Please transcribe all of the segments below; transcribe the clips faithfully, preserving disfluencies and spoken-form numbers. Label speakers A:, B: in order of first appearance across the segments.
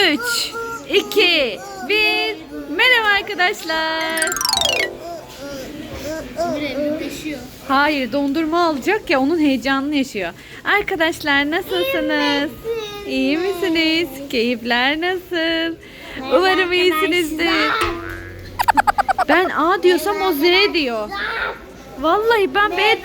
A: üç, iki, bir. Merhaba arkadaşlar. Hayır, dondurma alacak ya, onun heyecanını yaşıyor. Arkadaşlar nasılsınız? İyi misiniz? Keyifler nasıl? Umarım iyisinizdir. Ben A diyorsam o Z diyor. Vallahi ben B...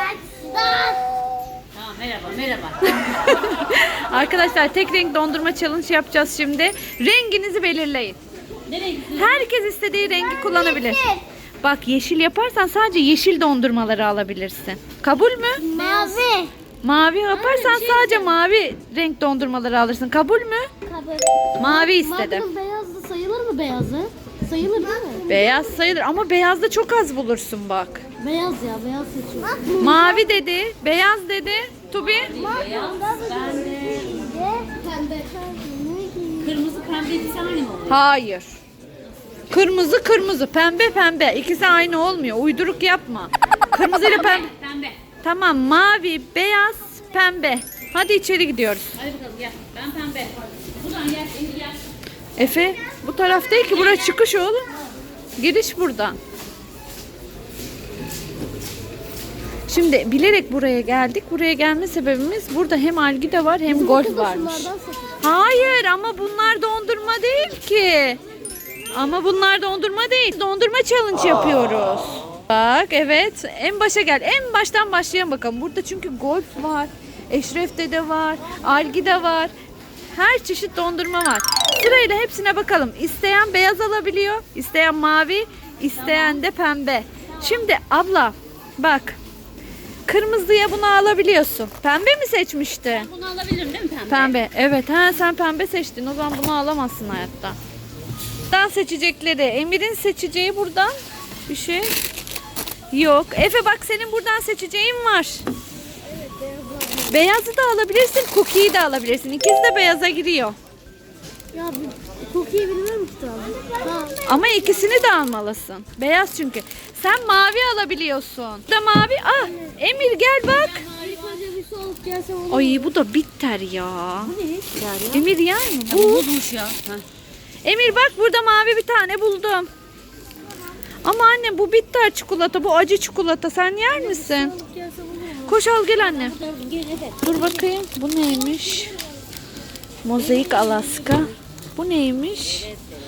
B: Tamam, merhaba, merhaba.
A: Arkadaşlar tek renk dondurma challenge yapacağız şimdi. Renginizi belirleyin.
B: Ne renk?
A: Herkes istediği rengi kullanabilir. Bak, yeşil yaparsan sadece yeşil dondurmaları alabilirsin. Kabul mü?
C: Mavi.
A: Mavi yaparsan sadece mavi renk dondurmaları alırsın. Kabul mü?
C: Kabul.
A: Mavi istedim.
C: Mavinin beyazı sayılır mı beyazı? Sayılır değil mi?
A: Beyaz sayılır ama beyazda çok az bulursun bak.
C: Beyaz ya, beyaz seçiyorum.
A: Mavi dedi, beyaz dedi. Tubi?
B: Beyaz, ben de
C: Pembe.
B: kırmızı pembe ikisi aynı mı oluyor?
A: Hayır. Kırmızı kırmızı, pembe pembe. İkisi aynı olmuyor. Uyduruk yapma. Kırmızı ile pembe.
B: Pembe.
A: Tamam, mavi, beyaz, pembe. Hadi içeri gidiyoruz.
B: Hadi bakalım gel. Ben pembe. Buradan gel, Emir gel.
A: Efe, bu taraf değil ki, burası çıkış oğlum. Giriş buradan. Şimdi bilerek buraya geldik. Buraya gelme sebebimiz, burada hem algida var hem golf varmış. Hayır, ama bunlar dondurma değil ki. Ama bunlar dondurma değil. Dondurma challenge yapıyoruz. Bak, evet. En başa gel. En baştan başlayalım bakalım. Burada çünkü golf var. Eşref Dede var. Algida var. Her çeşit dondurma var. Sırayla hepsine bakalım. İsteyen beyaz alabiliyor. İsteyen mavi. İsteyen de pembe. Şimdi abla bak. Kırmızıya bunu alabiliyorsun. Pembe mi seçmişti?
B: Bunu alabilirim değil mi pembe?
A: Pembe. Evet. Ha, sen pembe seçtin. O zaman bunu alamazsın hayatta. Buradan seçecekleri. Emir'in seçeceği buradan bir şey yok. Efe bak, senin buradan seçeceğin var. Beyazı da alabilirsin. Cookie'yi de alabilirsin. İkisi de beyaza giriyor.
C: Ya bir kokuyu bilmiyorum ki tabii. Ha.
A: Ama ikisini de almalısın. Beyaz çünkü. Sen mavi alabiliyorsun. Da mavi. Ah, Emir gel bak.
C: İlk önce bir su alıp gelsem olur mu?
A: Ay, bu da bitter ya.
B: Bu ne? Yani.
A: Emir yer mi?
B: Bu
A: Bu.
B: bozmuş ya. Heh.
A: Emir bak, burada mavi bir tane buldum. Ama anne, bu bitter çikolata, bu acı çikolata. Sen yer misin?
C: Alıp gelsem olur mu?
A: Koş al gel anne.
B: Dur, gel hadi.
A: Dur bakayım. Bu neymiş? Mozaik Alaska. Bu neymiş?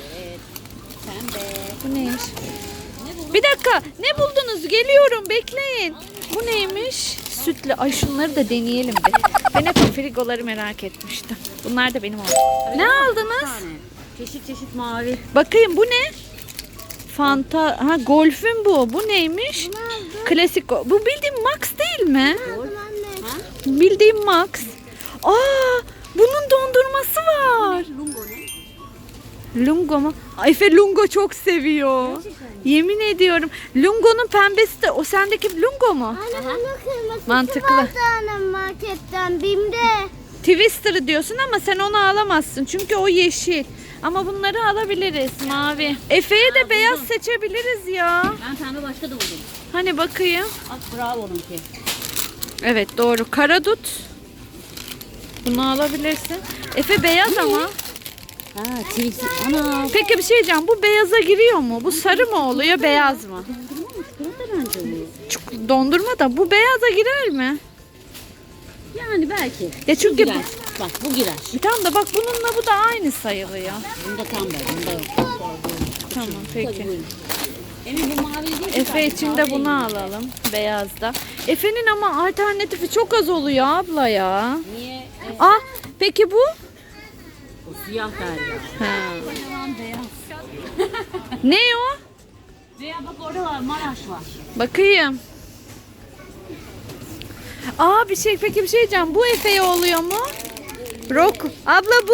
B: Pembe.
A: Bu neymiş? Bir dakika. Ne buldunuz? Geliyorum. Bekleyin. Bu neymiş? Sütlü. Ay, şunları da deneyelim bir. Ben hep frigoları merak etmiştim. Bunlar da benim oldu. Ne aldınız?
B: Tane. Çeşit çeşit mavi.
A: Bakayım, bu ne? Fanta. Ha, Golf'ün bu. Bu neymiş? Klasik. go- Bu bildiğim Max değil mi?
B: Ha?
A: Bildiğim Max. Aa, bunun dondurması var.
B: Lungo ne?
A: Lungo mu? Ay, Efe Lungo çok seviyor. Yemin ediyorum. Lungo'nun pembesi de o sendeki Lungo mu?
C: Anne bunun kırmızısı
A: Mantıklı.
C: vardı annem marketten Bim'de.
A: Twister diyorsun ama sen onu alamazsın. Çünkü o yeşil. Ama bunları alabiliriz mavi. Efe'ye de beyaz seçebiliriz ya.
B: Ben pembe başka da buldum.
A: Hani bakayım.
B: At bravo onunki.
A: Evet, doğru. Karadut. Bunu alabilirsin. Efe beyaz ama.
B: Ha, çilekli. Ana.
A: Peki bir şey diyeceğim. Bu beyaza giriyor mu? Bu sarı mı oluyor, beyaz mı?
B: Dondurma mı? Çikolata bence oluyor.
A: Çok- Dondurma da bu beyaza girer mi?
B: Yani belki.
A: Ya
B: Bu
A: çünkü
B: girer.
A: bu-
B: Bak bu girer.
A: Tamam da bak, bununla bu da aynı sayılıyor.
B: Bunda tam böyle. Bunda yok.
A: Tamam,
B: Hadi
A: peki.
B: buyurun. Emin bu mavi değil.
A: Efe için de bunu alalım. Beyazda. Efe'nin ama alternatifi çok az oluyor abla ya.
B: Niye? E,
A: Ah, peki bu?
B: o siyah derya.
A: Ha.
B: Yalan beyaz.
A: Ne o?
B: Veya bak orada var. Maraş var.
A: Bakayım. Aa, bir şey, peki bir şey diyeceğim. Bu Efe'ye oluyor mu? Rock. Abla bu?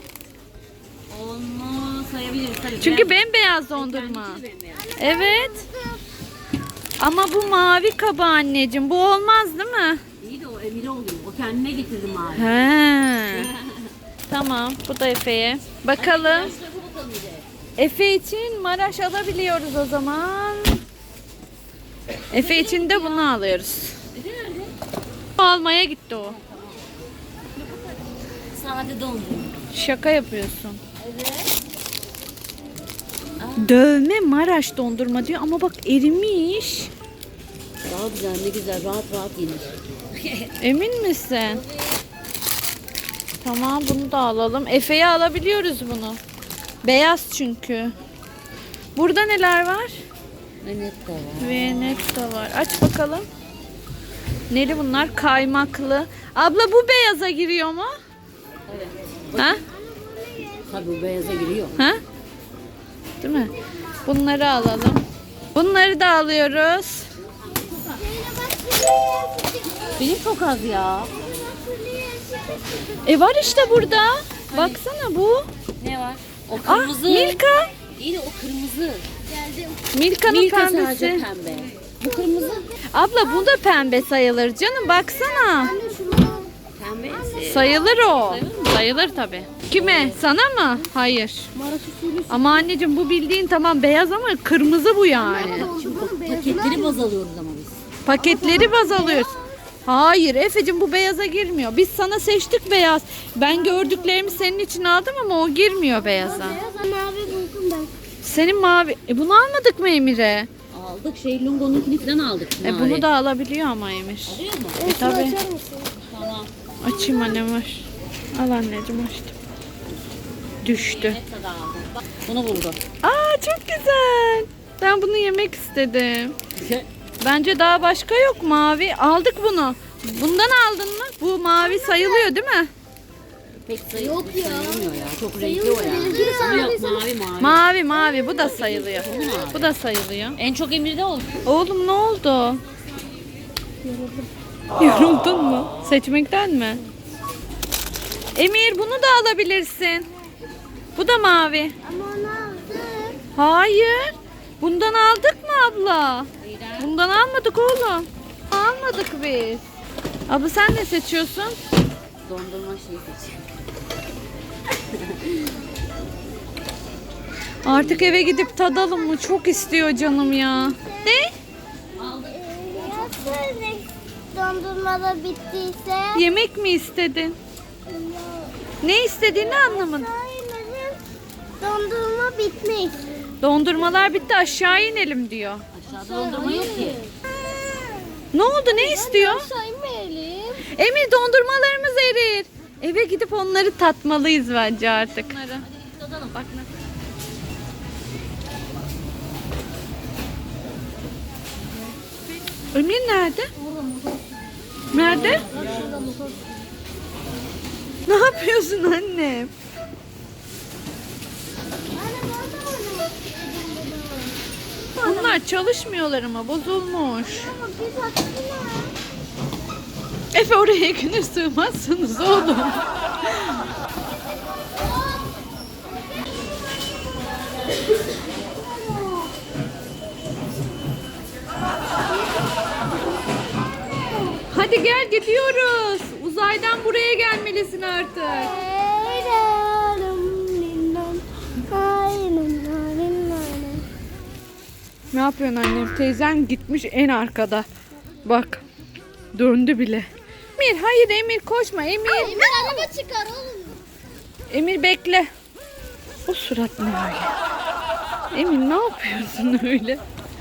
B: Onu sayabiliriz tabii.
A: Çünkü bembeyaz dondurma. Evet. Ama bu mavi kaba anneciğim. Bu olmaz değil mi?
B: İyi de o Emine oluyor. O kendine getirdi mavi.
A: He. Tamam. Bu da Efe'ye. Bakalım.
B: Başka bakalım bir de.
A: Efe için Maraş alabiliyoruz o zaman. Efe için de bunu alıyoruz.
B: Efe nerede?
A: Almaya gitti o.
B: Sade dondurma.
A: Şaka yapıyorsun. Dövme Maraş dondurma diyor ama bak erimiş.
B: Daha güzel, ne güzel, rahat rahat yenir.
A: Emin misin? Tamam, bunu da alalım. Efe'ye alabiliyoruz bunu. Beyaz çünkü. Burada neler var?
B: Evet de var.
A: Venet de var. Aç bakalım. Neli bunlar? Kaymaklı. Abla bu beyaza giriyor mu?
B: Evet.
A: Ha?
B: Tabii bu beyaza giriyor.
A: Ha? Değil mi? Bunları alalım. Bunları da alıyoruz.
B: Benim çok az ya.
A: E var işte burada. Baksana bu.
B: Ne var? O
A: Ah,
B: kırmızı.
A: Milka.
B: İyi de o kırmızı.
A: Milka'nın
B: Milka sadece
A: pembesi.
B: pembe. Bu kırmızı.
A: Abla bu da pembe sayılır canım, baksana.
B: Pembe.
A: Sayılır o. Sayılır tabii. Kime? Sana mı? Hayır.
C: Maraş usulü
A: Ama anneciğim bu bildiğin tamam beyaz ama kırmızı bu yani.
C: dondurmanın beyazı.
B: Paketleri baz alıyoruz ama biz.
A: Paketleri baz alıyoruz. Hayır Efe'cim, bu beyaza girmiyor. Biz sana seçtik beyaz. Ben gördüklerimi senin için aldım ama o girmiyor beyaza.
C: Beyaz mavi buldum ben.
A: Senin mavi. E bunu almadık mı Emir'e?
B: Aldık şey Lungo'nunkini falan aldık.
A: E
B: mavi.
A: bunu da alabiliyor ama Emir.
B: Alıyor mu?
A: E tabii.
C: Açar mısın?
B: Tamam.
A: Açayım annem, var. Al anneciğim, açtım. Düştü.
B: Ne kadar aldım. Bak, bunu buldu.
A: Aa çok güzel. Ben bunu yemek istedim. Bence daha başka yok mavi. Aldık bunu. Bundan aldın mı? Bu mavi sayılıyor değil mi?
B: Pek sayı
C: Yok ya.
B: sayılmıyor ya. Çok renkli o ya.
C: Sayılıyor.
B: Ama yok mavi mavi.
A: Mavi mavi bu da sayılıyor. Bu da sayılıyor.
B: En çok Emir'de oldu.
A: Oğlum ne oldu? Yoruldun mu? Seçmekten mi? Emir bunu da alabilirsin. Bu da mavi.
C: Ama onu aldık.
A: Hayır. Bundan aldık mı abla? Bundan almadık oğlum. Almadık biz. Abla sen ne seçiyorsun?
B: Dondurma şeyi seçiyor.
A: Artık eve gidip tadalım mı? Çok istiyor canım ya. Ne?
C: Nasıl ne dondurmada bittiyse?
A: Yemek mi istedin? Ne istediğini anlamadım.
C: Sayılırım. Dondurma bitmiş.
A: Dondurmalar bitti, aşağı inelim diyor.
B: Aşağıda dondurma yok ki.
A: Ne oldu, ne istiyor?
C: Saymayalım.
A: Emir dondurmalarımız erir. Eve gidip onları tatmalıyız bence artık.
B: Hadi tadalım bak.
A: Emir nerede? Nerede? Ne yapıyorsun annem? Bunlar çalışmıyorlar ama bozulmuş. Efe oraya günür sığmazsınız oğlum. Hadi gel gidiyoruz. Uzaydan buraya gelmelisin artık. Ne yapıyorsun annem? Teyzen gitmiş en arkada. Bak. Döndü bile. Emir hayır Emir koşma Emir.
C: Emir araba çıkar oğlum.
A: Emir bekle. O surat ne öyle? Emir ne yapıyorsun öyle?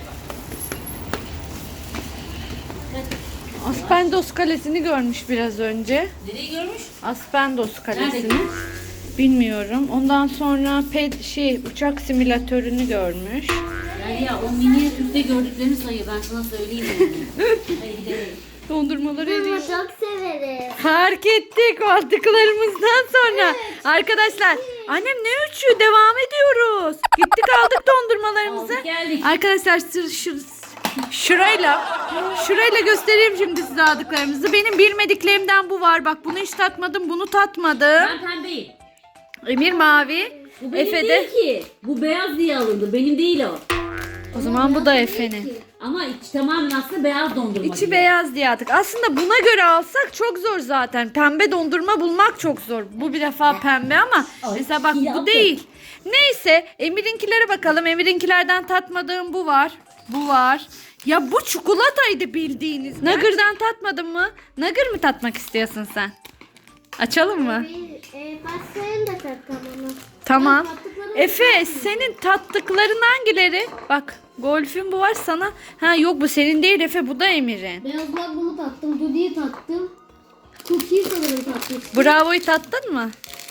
A: Aspendos Kalesi'ni görmüş biraz önce.
B: Nereyi görmüş?
A: Aspendos Kalesi'ni.
B: Nerede?
A: Bilmiyorum. Ondan sonra ped şey uçak simülatörünü görmüş.
B: Yani ya o minyatürde gördüklerini sayıyor. Ben sana söyleyeyim yani. Hadi gidelim.
A: Dondurmaları eriyor.
C: Çok severim.
A: Fark ettik o aldıklarımızdan sonra. Arkadaşlar annem ne üçü devam ediyoruz. Gittik aldık dondurmalarımızı.
B: Aldık, geldik.
A: Arkadaşlar sır, şur, şurayla şurayla göstereyim şimdi size aldıklarımızı. Benim bilmediklerimden bu var. Bak bunu hiç tatmadım, bunu tatmadım.
B: Ben pembeyim.
A: Emir mavi.
B: Bu benim
A: Efe
B: değil
A: de.
B: ki. Bu beyaz diye alındı. Benim değil o.
A: O zaman bu da Efe'nin.
B: Ama iç tamamen aslında beyaz dondurma.
A: İçi
B: gibi.
A: beyaz diye aldık. Aslında buna göre alsak çok zor zaten. Pembe dondurma bulmak çok zor. Bu bir defa pembe ama
B: Ay,
A: mesela bak
B: ya
A: bu
B: bak.
A: değil. Neyse Emir'inkilere bakalım. Emir'inkilerden tatmadığım bu var. Bu var. Ya bu çikolataydı bildiğiniz. Nugger'dan tatmadın mı? Nugger mı tatmak istiyorsun sen? Açalım mı?
C: Bir e, pastayım da tatlım onu.
A: Tamam.
C: Ben tattıklarımı
A: Efe
C: tatmadım.
A: senin tattıkların hangileri? Bak golfün bu var sana. Ha yok bu senin değil Efe, bu da Emir'in.
C: Beyaz magnumu tattım. Dudi'yi tattım. Cookie'yi sanırım tattım.
A: Bravo'yu tattın mı?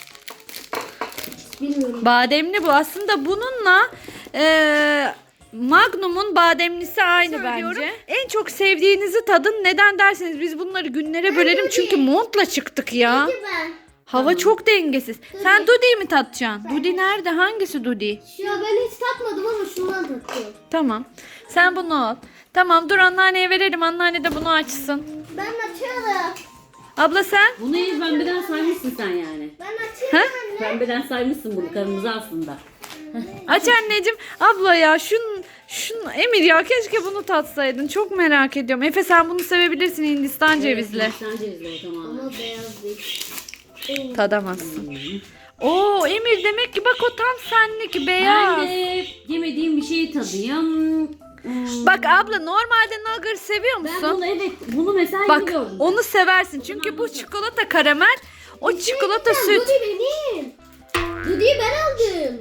C: Bilmiyorum.
A: Bademli bu. Aslında bununla eee Magnum'un bademlisi aynı bence. En çok sevdiğinizi tadın. Neden derseniz biz bunları günlere bölelim. Çünkü montla çıktık ya.
C: Peki ben.
A: Hava çok dengesiz. Sen Dudi'yi mi tatacaksın? Dudi nerede? Hangisi Dudi?
C: Ya ben hiç tatmadım ama şundan tatıyorum.
A: Tamam. Sen bunu al. Tamam dur anneanneye verelim. Anneanne de bunu açsın.
C: Ben açıyorum.
A: Abla sen?
B: Bunu iyi pembeden saymışsın sen yani.
C: Ben açıyorum
A: Ha?
C: anne.
B: Pembeden saymışsın bunu, kırmızı aslında.
A: Aç anneciğim. Abla ya şun, şun Emir ya keşke bunu tatsaydın. Çok merak ediyorum. Efe sen bunu sevebilirsin Hindistan cevizli.
B: Sen cevizli o tamamen.
C: Ama beyaz değil.
A: Tadamazsın. Oo Emir demek ki bak o tam senlik beyaz.
B: Ben de yemediğim bir şeyi tadayım. Hmm.
A: Bak abla normalde nugget seviyor
B: Ben
A: musun?
B: bunu evet, bunu mesela
A: Bak
B: yiyordum.
A: onu seversin çünkü bu çikolata karamel, o çikolata süt.
C: Dudi benim. Dudi'yi ben aldım.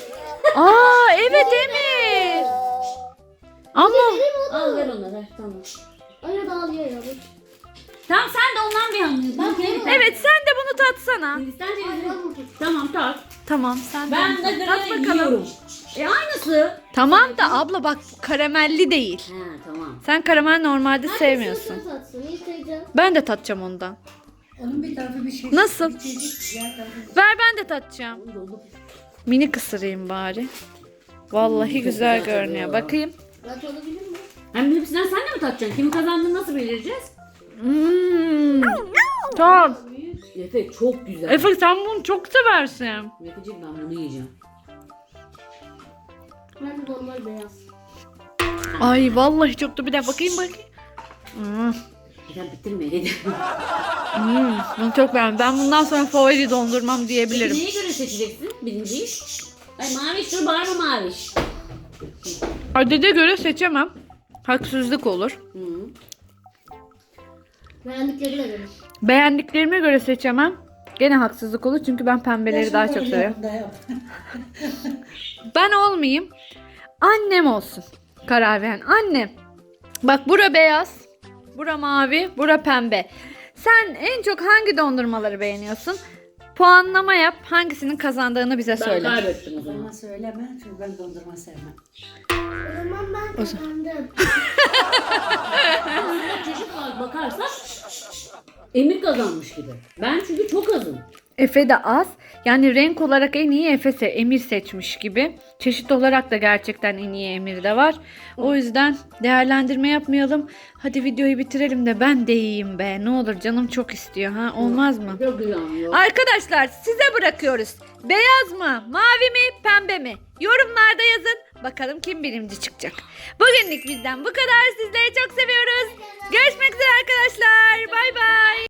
A: Aa evet Emir. Ama
C: Benim o
B: Al
C: da.
B: ver onu ver, tamam.
C: Öyle dağılıyor ya. bak.
B: Tamam sen de ondan bir anlıyorsun.
C: Bak,
B: Okey.
C: evet.
A: evet sen de bunu tatsana.
B: Hindistan
C: Ay,
B: cevizi.
C: ben bunu
B: Tamam tat.
A: Tamam sen de
B: Ben
A: bunu
B: de
A: tat. Tat
B: gırı
A: bakalım.
B: yiyorum. E aynısı.
A: Tamam da abla bak karamelli değil.
B: He tamam.
A: Sen karamel normalde
C: Hangisini
A: sevmiyorsun.
C: sen tatsın? Yıkayacağım.
A: Ben de tatacağım ondan.
D: Onun bir tarafı bir şey.
A: Nasıl?
D: Bir çeşit, diğer tarafı bir-
A: Ver ben de tatacağım.
B: Dolu.
A: Mini kısırayım bari. Vallahi
B: Hmm,
A: güzel
B: güzel
A: görünüyor.
B: tabii ya.
A: Bakayım.
C: Ben tadabilir miyim?
B: Hem hepsinden sen de mi tatacaksın? Kimin kazandığını nasıl belirleyeceğiz?
A: Hmm. Tamam.
B: Efe çok güzel.
A: Efe sen bunu çok seversin.
B: Efeciğim ben bunu yiyeceğim.
C: Ben de normal beyaz.
A: Ay vallahi çok da bir daha bakayım bakayım. Hmm.
B: Bir daha bitirme dedi.
A: Hmm. Bunu çok beğendim. Ben bundan sonra favori dondurmam
B: Peki
A: diyebilirim.
B: neye göre seçeceksin birinciyi? Ay maviş dur bağırma maviş.
A: Adede göre seçemem. Haksızlık olur.
B: Hı.
C: Beğendiklerine göre.
A: Beğendiklerime göre seçemem. Gene haksızlık olur çünkü ben pembeleri
D: Ya
A: daha
D: şunu
A: çok
D: öyle
A: seviyorum.
D: yap da yap.
A: Ben olmayayım. Annem olsun. Karar veren annem. Bak bura beyaz. Bura mavi. Bura pembe. Sen en çok hangi dondurmaları beğeniyorsun? Puanlama yap. Hangisinin kazandığını bize
B: Ben
A: söyle.
B: kaybettim o zaman.
D: Bana söyleme çünkü ben dondurma sevmem.
C: O zaman ben kazandım.
B: Aslında çeşit olarak bakarsak Emir kazanmış gibi. Ben çünkü çok azım.
A: Efe de az. Yani renk olarak en iyi Efe se- Emir seçmiş gibi. Çeşit olarak da gerçekten en iyi Emir de var. O yüzden değerlendirme yapmayalım. Hadi videoyu bitirelim de ben de yiyeyim be. Ne olur canım çok istiyor ha. Olmaz mı?
B: Çok güzel yok.
A: Arkadaşlar size bırakıyoruz. Beyaz mı, mavi mi, pembe mi? Yorumlarda yazın. Bakalım kim birinci çıkacak. Bugünlük bizden bu kadar. Sizleri çok seviyoruz. Görüşmek üzere arkadaşlar. Bay bay.